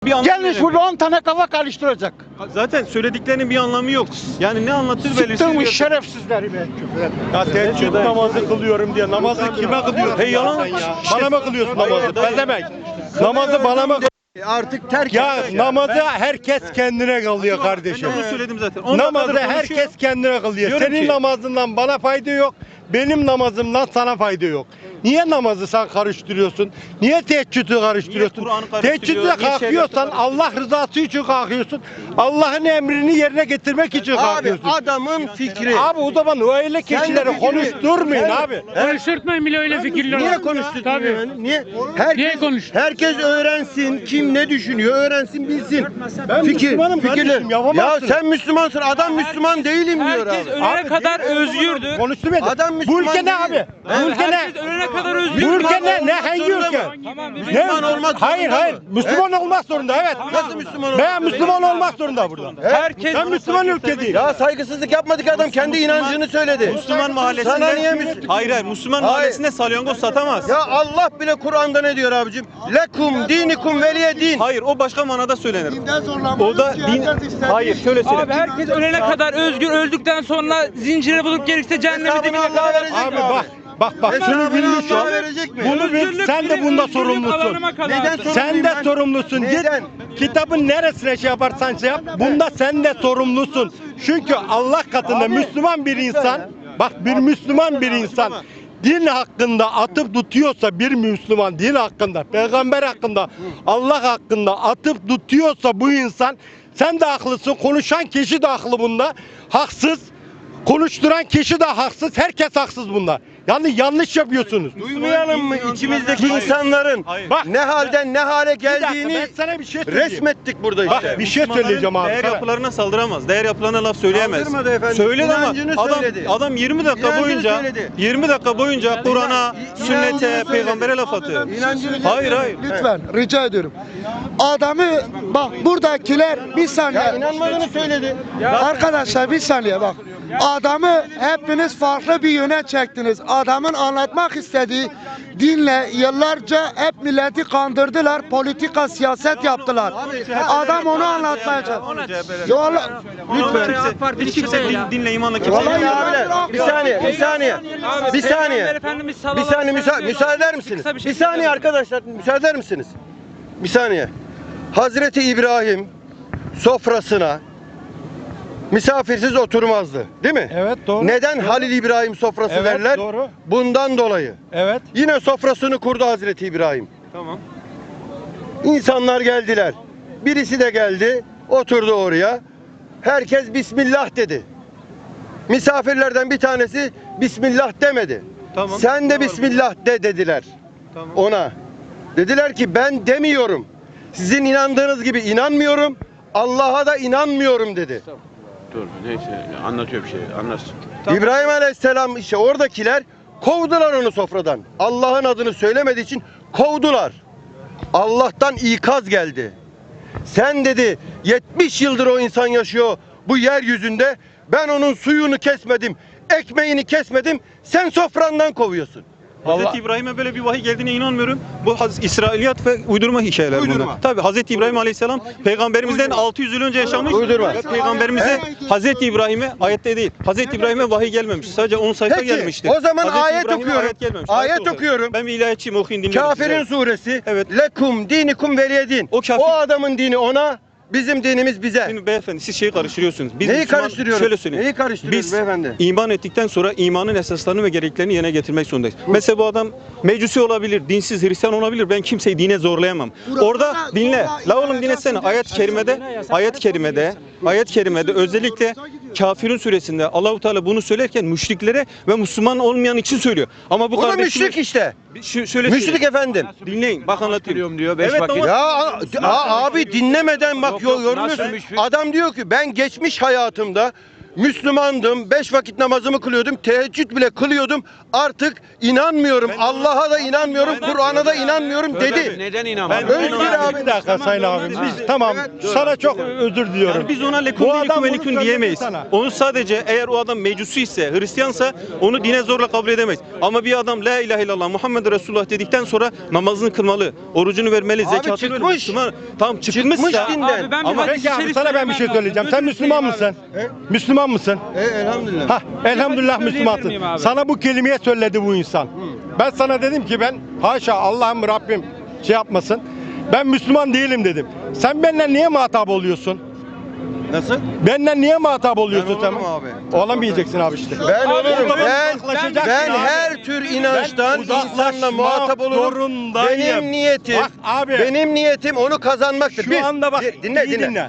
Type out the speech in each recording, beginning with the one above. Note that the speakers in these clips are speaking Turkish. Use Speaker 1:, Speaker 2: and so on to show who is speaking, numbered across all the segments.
Speaker 1: Bir anlamı
Speaker 2: Gelmiş
Speaker 1: yok.
Speaker 2: burada 10 tane kafa karıştıracak.
Speaker 1: Zaten söylediklerinin bir anlamı yok. Yani ne anlatır belirsiz.
Speaker 2: Sıktırmış
Speaker 1: bir-
Speaker 2: şerefsizleri be.
Speaker 3: Ya teheccüd namazı kılıyorum diye namazı kime kılıyorsun?
Speaker 1: Hey yalan.
Speaker 3: sen ya? Bana mı kılıyorsun namazı? Ne demek? Namazı bana mı?
Speaker 4: Artık terk
Speaker 3: Ya
Speaker 4: et.
Speaker 3: namazı herkes kendine kılıyor
Speaker 1: Ben
Speaker 3: kardeşim.
Speaker 1: de onu söyledim zaten. 10 dakikadır
Speaker 3: Namazı
Speaker 1: konuşuyorum.
Speaker 3: herkes kendine kılıyor.
Speaker 1: Diyorum
Speaker 3: Senin
Speaker 1: ki-
Speaker 3: namazından bana fayda yok. Benim namazımdan sana fayda yok. Niye namazı sen karıştırıyorsun? Niye teheccüdü karıştırıyorsun?
Speaker 1: Niye Kur'an'ı karıştırıyor?
Speaker 3: Teheccüde
Speaker 1: Niye
Speaker 3: kalkıyorsan
Speaker 1: şeriatı
Speaker 3: Allah rızası için kalkıyorsun. Allah'ın emrini yerine getirmek için
Speaker 4: Abi
Speaker 3: kalkıyorsun.
Speaker 4: adamın fikri.
Speaker 3: Abi o zaman öyle kişileri
Speaker 4: fikrini-
Speaker 3: konuşturmayın abi.
Speaker 5: Konuşturtmayın bile öyle fikirler.
Speaker 4: Niye
Speaker 5: var.
Speaker 4: konuştun?
Speaker 5: Tabii.
Speaker 4: Niye?
Speaker 5: Niye konuştun?
Speaker 4: Herkes öğrensin. Kim ne düşünüyor öğrensin bilsin.
Speaker 3: Ben Müslümanım kardeşim,
Speaker 4: Ya
Speaker 3: yapamazsın.
Speaker 4: sen Müslümansın. Adam Müslüman değilim diyor
Speaker 5: Herkes
Speaker 4: abi.
Speaker 5: ölene kadar özgürdür.
Speaker 3: Konuşturmayın.
Speaker 4: Adam
Speaker 3: Bu
Speaker 4: Müslüman
Speaker 3: ülke ne
Speaker 4: değil.
Speaker 3: abi? Bu ülke ne?
Speaker 5: Herkes ölene kadar
Speaker 3: Bu
Speaker 5: özgürdür.
Speaker 3: ülke ne? Hangi ülke?
Speaker 5: Tamam, bir
Speaker 4: Müslüman olmak
Speaker 3: Hayır
Speaker 4: zorunda
Speaker 3: hayır.
Speaker 4: mı?
Speaker 3: Müslüman olmak zorunda evet.
Speaker 4: Nasıl Müslüman olmak
Speaker 3: Ben Müslüman olmak zorunda burada.
Speaker 5: Herkes
Speaker 3: Ben Müslüman ülke değil.
Speaker 4: Ya saygısızlık yapmadık adam kendi inancını söyledi.
Speaker 1: Müslüman mahallesinde.
Speaker 4: Sana niye Müslüman?
Speaker 1: Hayır Müslüman
Speaker 4: Hayır.
Speaker 1: mahallesinde salyangoz satamaz.
Speaker 4: Ya Allah bile Kur'an'da ne diyor abicim? Lekum dinikum veliye din.
Speaker 1: Hayır o başka manada söylenir. O da din. Hayır şöyle söyle.
Speaker 5: Abi herkes ölene kadar özgür, öldükten sonra zincire bulup gerekirse cehenneme
Speaker 4: Hesabını
Speaker 5: dibine
Speaker 4: Allah
Speaker 5: kadar.
Speaker 4: verecek
Speaker 3: Abi
Speaker 4: mi
Speaker 3: bak. Bak şunu
Speaker 4: Hesabını
Speaker 3: bilmiş
Speaker 4: Allah
Speaker 3: ol.
Speaker 4: verecek mi?
Speaker 3: Bunu bil.
Speaker 5: Özgürlük
Speaker 3: Sen de
Speaker 5: benim
Speaker 3: bunda
Speaker 5: özgürlüğüm
Speaker 3: sorumlusun.
Speaker 5: alanıma kadar.
Speaker 4: Neden
Speaker 3: Sen
Speaker 4: sorumluyum
Speaker 3: de
Speaker 4: ben?
Speaker 3: sorumlusun. Git
Speaker 4: Neden?
Speaker 3: kitabın neresine şey yaparsan şey yap. Bunda sen de sorumlusun. Çünkü Allah katında Müslüman bir insan, bak bir Müslüman bir insan din hakkında atıp tutuyorsa, bir Müslüman din hakkında, peygamber hakkında, Allah hakkında atıp tutuyorsa bu insan, sen de haklısın. Konuşan kişi de haklı bunda. Haksız. Konuşturan kişi de haksız. Herkes haksız bunda. Yani yanlış yapıyorsunuz.
Speaker 4: Duymayalım mı içimizdeki insanların
Speaker 1: Hayır.
Speaker 3: Bak
Speaker 4: ne halden ne hale
Speaker 3: bir dakika,
Speaker 4: geldiğini
Speaker 3: ben sana bir şey söyleyeyim.
Speaker 4: resmettik burada
Speaker 3: Bak
Speaker 4: işte.
Speaker 3: bir şey söyleyeceğim abi.
Speaker 1: Değer
Speaker 3: sana.
Speaker 1: yapılarına saldıramaz. Değer yapılarına laf söyleyemez.
Speaker 4: Saldırmadı efendim.
Speaker 1: Söyledi ama
Speaker 4: İnancını
Speaker 1: adam
Speaker 4: söyledi.
Speaker 1: 20 dakika
Speaker 4: İnancını
Speaker 1: boyunca
Speaker 4: söyledi.
Speaker 1: 20 dakika boyunca Kur'an'a,
Speaker 4: İnancını
Speaker 1: sünnete,
Speaker 4: söyledi.
Speaker 1: peygambere laf atıyor.
Speaker 4: İnancını
Speaker 1: Hayır hayır.
Speaker 2: Lütfen rica ediyorum. Adamı bak buradakiler bir
Speaker 4: Ya
Speaker 2: saniye.
Speaker 4: inanmadığını söyledi.
Speaker 2: Arkadaşlar bir saniye bak. Adamı hepiniz farklı bir yöne çektiniz. Adamın anlatmak istediği dinle yıllarca hep milleti kandırdılar. Politika, siyaset yaptılar. Adam onu anlatmaya çalışıyor. Ya Allah,
Speaker 1: Lütfen. Hiç kimse dinle imanla kimse.
Speaker 4: Vallahi abiler bir saniye bir saniye bir saniye bir saniye müsaade eder misiniz? Bir saniye arkadaşlar müsaade eder misiniz? Bir saniye. Hazreti İbrahim sofrasına misafirsiz oturmazdı, değil mi?
Speaker 3: Evet doğru.
Speaker 4: Neden Halil İbrahim sofrası
Speaker 3: Evet,
Speaker 4: derler?
Speaker 3: doğru.
Speaker 4: Bundan dolayı.
Speaker 3: Evet.
Speaker 4: Yine sofrasını kurdu Hazreti İbrahim.
Speaker 1: Tamam.
Speaker 4: İnsanlar geldiler. Birisi de geldi, oturdu oraya. Herkes Bismillah dedi. Misafirlerden bir tanesi Bismillah demedi.
Speaker 1: Tamam.
Speaker 4: Sen de
Speaker 1: Ne var
Speaker 4: Bismillah de dediler
Speaker 1: Tamam.
Speaker 4: ona. Dediler ki ben demiyorum. Sizin inandığınız gibi inanmıyorum. Allah'a da inanmıyorum dedi.
Speaker 6: Dur neyse anlatıyor bir şey anlatsın.
Speaker 1: Tamam.
Speaker 4: İbrahim Aleyhisselam işte oradakiler kovdular onu sofradan. Allah'ın adını söylemediği için kovdular. Allah'tan ikaz geldi. Sen dedi 70 yıldır o insan yaşıyor bu yeryüzünde. Ben onun suyunu kesmedim, ekmeğini kesmedim. Sen sofrandan kovuyorsun.
Speaker 1: Hazreti İbrahim'e böyle bir vahiy geldiğine inanmıyorum. Bu İsrailiyat ve uydurma hikayeler
Speaker 4: Uydurma.
Speaker 1: bunlar. Tabii Hazreti İbrahim Aleyhisselam peygamberimizden 600 yıl önce yaşamış.
Speaker 4: Uydurma.
Speaker 1: Ve peygamberimize Hazreti İbrahim'e ayette değil. Hazreti İbrahim'e vahiy gelmemiş. Sadece 10 sayfa
Speaker 4: Peki,
Speaker 1: gelmiştir.
Speaker 4: o zaman
Speaker 1: Hazreti
Speaker 4: ayet
Speaker 1: İbrahim'e
Speaker 4: okuyorum.
Speaker 1: Ayet gelmemiş.
Speaker 4: Ayet
Speaker 1: olarak.
Speaker 4: okuyorum.
Speaker 1: Ben bir ilahiyatçıyım, okuyun dinleyin.
Speaker 4: Kafirin suresi.
Speaker 1: Evet.
Speaker 4: Lekum dinikum veliyedin.
Speaker 1: O kafir-
Speaker 4: O adamın dini ona, bizim dinimiz bize.
Speaker 1: Şimdi beyefendi siz şeyi karıştırıyorsunuz. Biz
Speaker 4: Neyi
Speaker 1: Müslüman-
Speaker 4: karıştırıyoruz?
Speaker 1: Şöyle söyleyeyim.
Speaker 4: Neyi karıştırıyoruz
Speaker 1: Biz
Speaker 4: beyefendi?
Speaker 1: iman ettikten sonra imanın esaslarını ve gereklerini yerine getirmek zorundayız. Mesela bu adam mecusi olabilir, dinsiz Hristiyan olabilir. Ben kimseyi dine zorlayamam. Orada dinle. La oğlum dinlesene. Ayet-i kerimede özellikle Kafirun suresinde Allahu Teala bunu söylerken müşriklere ve Müslüman olmayan için söylüyor. Ama bu
Speaker 4: O da
Speaker 1: kardeşimiz-
Speaker 4: müşrik işte.
Speaker 1: Şöyle
Speaker 4: Müşrik
Speaker 1: söyleyeyim.
Speaker 4: efendim.
Speaker 1: Dinleyin. Bak anlatayım.
Speaker 6: diyor, beş
Speaker 1: Evet
Speaker 6: vakit.
Speaker 1: ama
Speaker 4: Ya abi dinlemeden bak
Speaker 6: Yok,
Speaker 4: yoruluyorsun.
Speaker 6: nasıl müşrik?
Speaker 4: Adam diyor ki ben geçmiş hayatımda Müslümandım, 5 vakit namazımı kılıyordum, teheccüd bile kılıyordum. Artık inanmıyorum, Allah'a da inanmıyorum, Kur'an'a da inanmıyorum dedi.
Speaker 6: Neden inanmadın?
Speaker 4: Özgür abi.
Speaker 3: Bir dakika Sayın abim. Biz tamam sana çok özür diliyorum.
Speaker 1: Yani biz ona lekun
Speaker 3: Bu
Speaker 1: ve
Speaker 3: adam bunu
Speaker 1: lekun
Speaker 3: söyledi
Speaker 1: diyemeyiz.
Speaker 3: sana.
Speaker 1: Onu sadece eğer o adam mecusi ise, Hristiyansa onu dine zorla kabul edemeyiz. Ama bir adam la ilahe illallah Muhammed Resulullah dedikten sonra namazını kılmalı, orucunu vermeli,
Speaker 4: Abi
Speaker 1: zekatını
Speaker 4: çıkmış.
Speaker 1: vermeli. Müslüman, tamam çıkmışsa
Speaker 4: Çıkmış dinden.
Speaker 5: Abi ben
Speaker 1: Ama
Speaker 5: hadis-i
Speaker 3: Peki abi
Speaker 5: şerif
Speaker 3: sana ben bir şey
Speaker 5: söylemem
Speaker 3: söyleyeceğim.
Speaker 5: lazım.
Speaker 3: Sen Müslüman mısın? Müslüman mısın?
Speaker 4: Elhamdülillah.
Speaker 3: Hah, elhamdülillah
Speaker 5: hadis söyleyebilir miyim
Speaker 3: Müslümansın.
Speaker 5: abi?
Speaker 3: Sana bu kelimeyi söyledi bu insan. Ben sana dedim ki ben haşa Allah'ım Rabbim şey yapmasın. Ben Müslüman değilim dedim. Sen benimle niye muhatap oluyorsun?
Speaker 4: Nasıl?
Speaker 3: Benden niye muhatap oluyorsun
Speaker 4: Ben
Speaker 3: sen?
Speaker 4: olurum abi.
Speaker 3: Olamayacaksın abi işte.
Speaker 4: Ben
Speaker 5: Abi,
Speaker 4: olurum.
Speaker 5: o zaman
Speaker 3: uzaklaşacaksın
Speaker 4: Ben
Speaker 3: abi.
Speaker 4: her tür inançtan
Speaker 3: Ben uzaklaşmak
Speaker 4: insanla muhatap olurum.
Speaker 3: zorundayım.
Speaker 4: Benim niyetim,
Speaker 3: Bak abi.
Speaker 4: benim niyetim onu kazanmaktır.
Speaker 3: Şu anda bak,
Speaker 4: dinle,
Speaker 3: iyi dinle.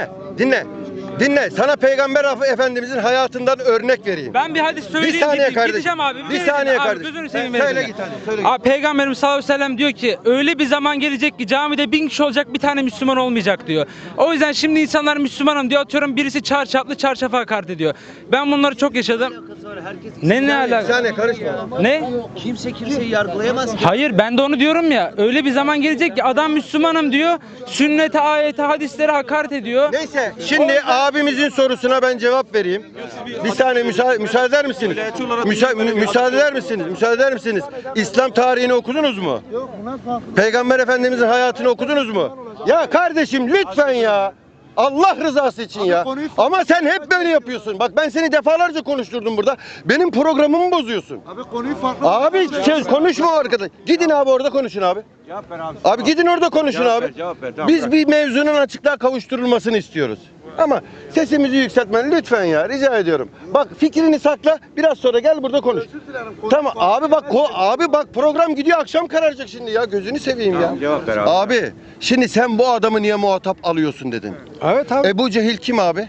Speaker 4: Dinle. Sana Peygamber Efendimizin hayatından örnek vereyim.
Speaker 5: Ben bir hadis söyleyeyim.
Speaker 4: Bir saniye
Speaker 5: gideyim.
Speaker 4: kardeşim.
Speaker 5: Gideceğim abi.
Speaker 4: Bir saniye
Speaker 5: abi,
Speaker 4: kardeşim.
Speaker 5: gözünü seveyim
Speaker 4: Söyle
Speaker 5: verin
Speaker 4: git
Speaker 5: ya.
Speaker 4: hadi, söyle git.
Speaker 5: Abi Peygamberimiz sallallahu aleyhi ve sellem diyor ki öyle bir zaman gelecek ki camide 1000 kişi olacak bir tane Müslüman olmayacak diyor. O yüzden şimdi insanlar Müslümanım diyor atıyorum birisi çarşaflı çarşafa hakaret ediyor. Ben bunları çok yaşadım. Ne
Speaker 4: Bir
Speaker 5: alaka?
Speaker 4: saniye karışma.
Speaker 5: Ne?
Speaker 7: Kimse kimseyi yargılayamaz ki.
Speaker 5: Hayır ben de onu diyorum ya. Öyle bir zaman gelecek ki adam Müslümanım diyor. Sünnete, ayete, hadislere hakaret ediyor.
Speaker 4: Neyse şimdi abimizin sorusuna ben cevap vereyim. Bir saniye müsaade eder misiniz? Müsaade eder misiniz? Müsaade eder misiniz? İslam tarihini okudunuz mu? Peygamber Efendimizin hayatını okudunuz mu? Ya kardeşim lütfen ya. Allah rızası için ya. Ama sen hep böyle yapıyorsun. Bak ben seni defalarca konuşturdum burada. Benim programımı bozuyorsun.
Speaker 2: Abi konuyu farklı.
Speaker 4: Abi konuşma arkadaş. Gidin abi orada konuşun abi.
Speaker 6: Cevap ver abi.
Speaker 4: Abi gidin orada konuşun abi.
Speaker 6: Cevap ver. Tamam,
Speaker 4: Biz
Speaker 6: bırak.
Speaker 4: bir mevzunun açıklığa kavuşturulmasını istiyoruz. Ama sesimizi yükseltmen lütfen ya rica ediyorum. Bak fikrini sakla biraz sonra gel burada konuş. Tamam abi bak program gidiyor akşam kararacak şimdi ya gözünü seveyim ya.
Speaker 6: Tamam, cevap ver abi.
Speaker 4: Abi şimdi sen bu adamı niye muhatap alıyorsun dedin.
Speaker 3: Evet abi.
Speaker 4: Ebu Cehil kim abi?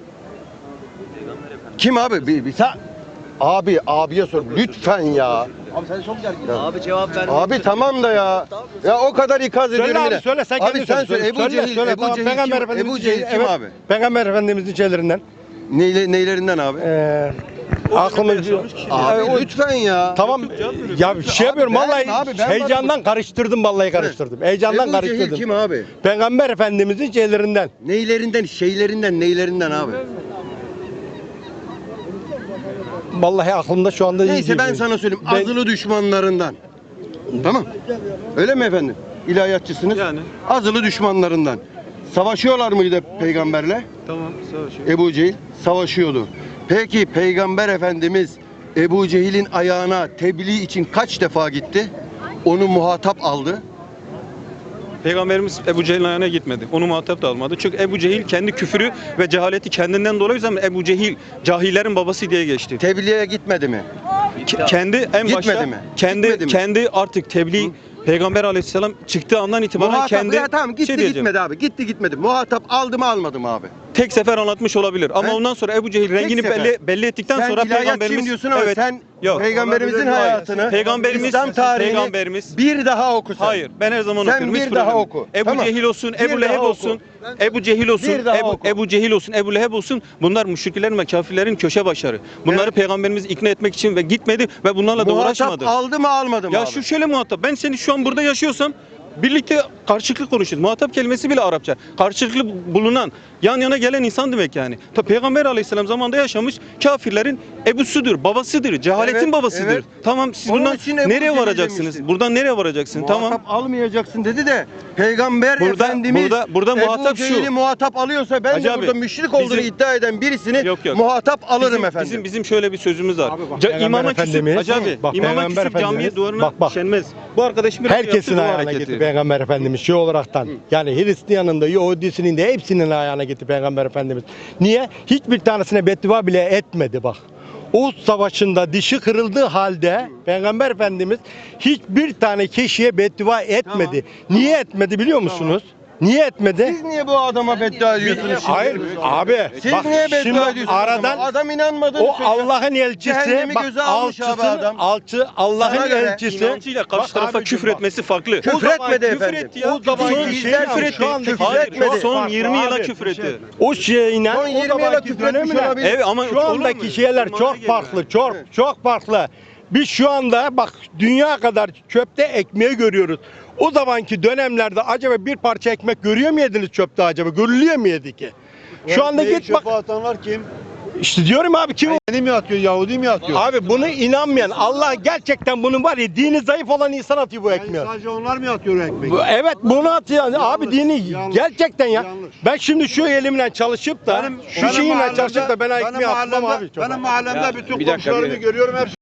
Speaker 4: Kim abi? Abiye sor lütfen ya.
Speaker 7: Abi cevap ver.
Speaker 4: Abi tamam da ya. Ya o kadar ikaz ediyorum
Speaker 3: Söyle
Speaker 4: yine.
Speaker 3: abi söyle sen
Speaker 4: Abi
Speaker 3: kendin
Speaker 4: sen söyle. Ebu Cehil
Speaker 3: tamam. Peygamber
Speaker 4: kim?
Speaker 3: Efendimizin
Speaker 4: Ebu Cehil kim
Speaker 3: evet,
Speaker 4: abi?
Speaker 3: Peygamber Efendimizin şeylerinden.
Speaker 4: Neylerinden abi?
Speaker 3: Aklımız
Speaker 4: Abi lütfen ya.
Speaker 3: tamam ya şey yapıyorum
Speaker 4: ben-
Speaker 3: vallahi
Speaker 4: abi ben
Speaker 3: heyecandan karıştırdım vallahi karıştırdım. Heyecandan
Speaker 4: Ebu Cehil
Speaker 3: karıştırdım.
Speaker 4: kim abi?
Speaker 3: Peygamber Efendimizin şeylerinden.
Speaker 4: Neylerinden abi?
Speaker 3: Vallahi aklımda şu anda
Speaker 4: Neyse ben sana söyleyeyim. Azılı düşmanlarından. Tamam. Öyle mi efendim? İlahiyatçısınız.
Speaker 1: Yani.
Speaker 4: Azılı düşmanlarından. Savaşıyorlar mıydı peygamberle?
Speaker 1: tamam savaşıyor.
Speaker 4: Ebu Cehil savaşıyordu. Peki Peygamber Efendimiz Ebu Cehil'in ayağına tebliğ için kaç defa gitti? Onu muhatap aldı.
Speaker 1: Peygamberimiz Ebu Cehil'in ayağına gitmedi. Onu muhatap da almadı. Çünkü Ebu Cehil kendi küfürü ve cehaleti kendinden dolayı zaman Ebu Cehil cahillerin babası diye geçti.
Speaker 4: Tebliğe gitmedi mi?
Speaker 1: Kendi en
Speaker 4: Gitmedi
Speaker 1: başta
Speaker 4: mi?
Speaker 1: kendi
Speaker 4: Gitmedi mi?
Speaker 1: kendi artık tebliğ Peygamber Aleyhisselam çıktığı andan itibaren
Speaker 4: Muhatap
Speaker 1: kendi
Speaker 4: ya tamam gitti
Speaker 1: şey diyeceğim.
Speaker 4: gitmedi abi. Gitti gitmedi. Muhatap aldı mı almadı mı abi?
Speaker 1: Tek sefer anlatmış olabilir ama
Speaker 4: He?
Speaker 1: ondan sonra Ebu Cehil rengini
Speaker 4: sefer.
Speaker 1: belli ettikten
Speaker 4: Sen
Speaker 1: sonra
Speaker 4: ilahiyatçıyım
Speaker 1: Peygamberimiz
Speaker 4: diyorsun ama sen
Speaker 1: Yok.
Speaker 4: Peygamberimizin
Speaker 1: Hayır.
Speaker 4: hayatını,
Speaker 1: Peygamberimiz
Speaker 4: İslam tarihini
Speaker 1: Peygamberimiz
Speaker 4: bir daha oku sen.
Speaker 1: Hayır, ben her zaman
Speaker 4: Sen
Speaker 1: okuyorum.
Speaker 4: bir
Speaker 1: hiç
Speaker 4: daha
Speaker 1: problem yok.
Speaker 4: oku.
Speaker 1: Ebu
Speaker 4: Tamam.
Speaker 1: Cehil olsun,
Speaker 4: Bir
Speaker 1: Ebu Leheb
Speaker 4: daha oku.
Speaker 1: olsun, Ebu Cehil olsun,
Speaker 4: Bir daha oku.
Speaker 1: Ebu Cehil olsun, Ebu Leheb olsun. Bunlar müşriklerin ve kafirlerin köşe başarı. Bunları
Speaker 4: Evet.
Speaker 1: Peygamberimiz ikna etmek için ve gitmedi ve bunlarla da
Speaker 4: Muhatap
Speaker 1: uğraşmadı.
Speaker 4: aldı mı almadı mı
Speaker 1: Ya
Speaker 4: abi?
Speaker 1: şu şöyle muhatap. Ben seni şu an burada yaşıyorsam birlikte karşılıklı konuşuyoruz. Muhatap kelimesi bile Arapça. Karşılıklı bulunan, yan yana gelen insan demek yani. Peygamber Aleyhisselam zamanında yaşamış kafirlerin ebusudur, babasıdır, cehaletin
Speaker 4: Evet,
Speaker 1: babasıdır.
Speaker 4: evet.
Speaker 1: Tamam siz
Speaker 4: Onun
Speaker 1: bundan
Speaker 4: için Ebu
Speaker 1: nereye
Speaker 4: Cehil
Speaker 1: varacaksınız?
Speaker 4: demişti.
Speaker 1: Buradan nereye varacaksın?
Speaker 4: Muhatap
Speaker 1: Tamam.
Speaker 4: almayacaksın dedi de Peygamber
Speaker 1: Burada-
Speaker 4: Efendimiz
Speaker 1: burada muhatap şu.
Speaker 4: Ebu Cehil'i muhatap alıyorsa ben
Speaker 1: Hacı
Speaker 4: de
Speaker 1: abi,
Speaker 4: burada müşrik olduğunu
Speaker 1: bizim-
Speaker 4: iddia eden birisini
Speaker 1: Yok, yok.
Speaker 4: muhatap alırım efendim.
Speaker 1: Bizim şöyle bir sözümüz var.
Speaker 3: Peygamber
Speaker 1: İmama küsüp,
Speaker 3: Efendimiz-
Speaker 1: Hacı abi,
Speaker 3: bak,
Speaker 1: imama
Speaker 3: Peygamber
Speaker 1: küsüp camiye
Speaker 3: Efendimiz-
Speaker 1: duvarına
Speaker 3: bak.
Speaker 1: şenmez. Bu arkadaşım biraz
Speaker 3: Herkesin
Speaker 1: yaptı bu
Speaker 3: ayağına
Speaker 1: hareketi.
Speaker 3: gitti Peygamber Efendimiz şey olaraktan. Yani Hristiyan'ın da Yahudisinin de hepsinin ayağına gitti Peygamber Efendimiz. Niye? Hiçbir tanesine beddua bile etmedi bak. Uhud Savaşı'nda dişi kırıldığı halde Peygamber Efendimiz hiçbir tane kişiye beddua etmedi. Niye etmedi biliyor musunuz? Niye etmedi?
Speaker 4: Siz niye bu adama beddua ediyorsunuz şimdi?
Speaker 3: Hayır abi.
Speaker 4: Siz
Speaker 3: bak,
Speaker 4: niye
Speaker 3: şimdi
Speaker 4: beddua ediyorsunuz?
Speaker 3: aradan
Speaker 4: Adam inanmadığını
Speaker 3: o
Speaker 4: söylüyor.
Speaker 3: Allah'ın elçisi,
Speaker 4: Cehennemi
Speaker 3: bak
Speaker 4: göze almış abi
Speaker 3: alçısı,
Speaker 4: adam.
Speaker 3: Allah'ın
Speaker 4: Sana göre
Speaker 3: elçisi.
Speaker 1: İnancıyla karşı
Speaker 3: Bak
Speaker 1: tarafa
Speaker 3: abicim
Speaker 1: küfür
Speaker 3: bak.
Speaker 1: etmesi farklı.
Speaker 4: Küfür
Speaker 3: O zaman
Speaker 4: etmedi
Speaker 3: küfür
Speaker 4: efendim.
Speaker 3: etti ya.
Speaker 4: O zaman
Speaker 3: Son
Speaker 4: izler
Speaker 3: küfür
Speaker 4: küfür
Speaker 3: etti.
Speaker 4: etti.
Speaker 3: Hayır,
Speaker 4: etmedi.
Speaker 1: Son
Speaker 3: farklı
Speaker 1: 20 yıla
Speaker 3: abi.
Speaker 1: küfür etti.
Speaker 3: O şeyle
Speaker 4: Son 20
Speaker 3: o
Speaker 4: yıla
Speaker 3: zamanki
Speaker 4: küfür etmiş
Speaker 3: dönemle
Speaker 4: olabilir.
Speaker 1: Evet ama
Speaker 3: şu andaki
Speaker 1: olur mu?
Speaker 3: şeyler
Speaker 1: Zamana
Speaker 3: çok
Speaker 1: geliyor.
Speaker 3: farklı. Çok farklı. Biz şu anda bak dünya kadar çöpte ekmeği görüyoruz. O zamanki dönemlerde acaba bir parça ekmek görüyor mu yediniz çöpte acaba? Görülüyor mu yedi ki? Şu anda git bak.
Speaker 8: atanlar kim?
Speaker 3: İşte diyorum abi kim?
Speaker 8: Yeni mi atıyor, Yahudi mi atıyor?
Speaker 3: Abi bunu inanmayan Allah gerçekten bunun var ya dini zayıf olan insan atıyor bu ekmeği.
Speaker 8: Sadece onlar mı atıyor o ekmeği?
Speaker 3: Evet bunu atıyor. Abi dini
Speaker 8: yanlış,
Speaker 3: gerçekten ya.
Speaker 8: yanlış.
Speaker 3: Ben şimdi şu elimle çalışıp da şu şeyimle çalışıp da ben ekmeği atmam abi. çok.
Speaker 8: Benim mahallemde bütün
Speaker 6: bir dakika,
Speaker 8: komşularımı
Speaker 6: bir-
Speaker 8: görüyorum hepsi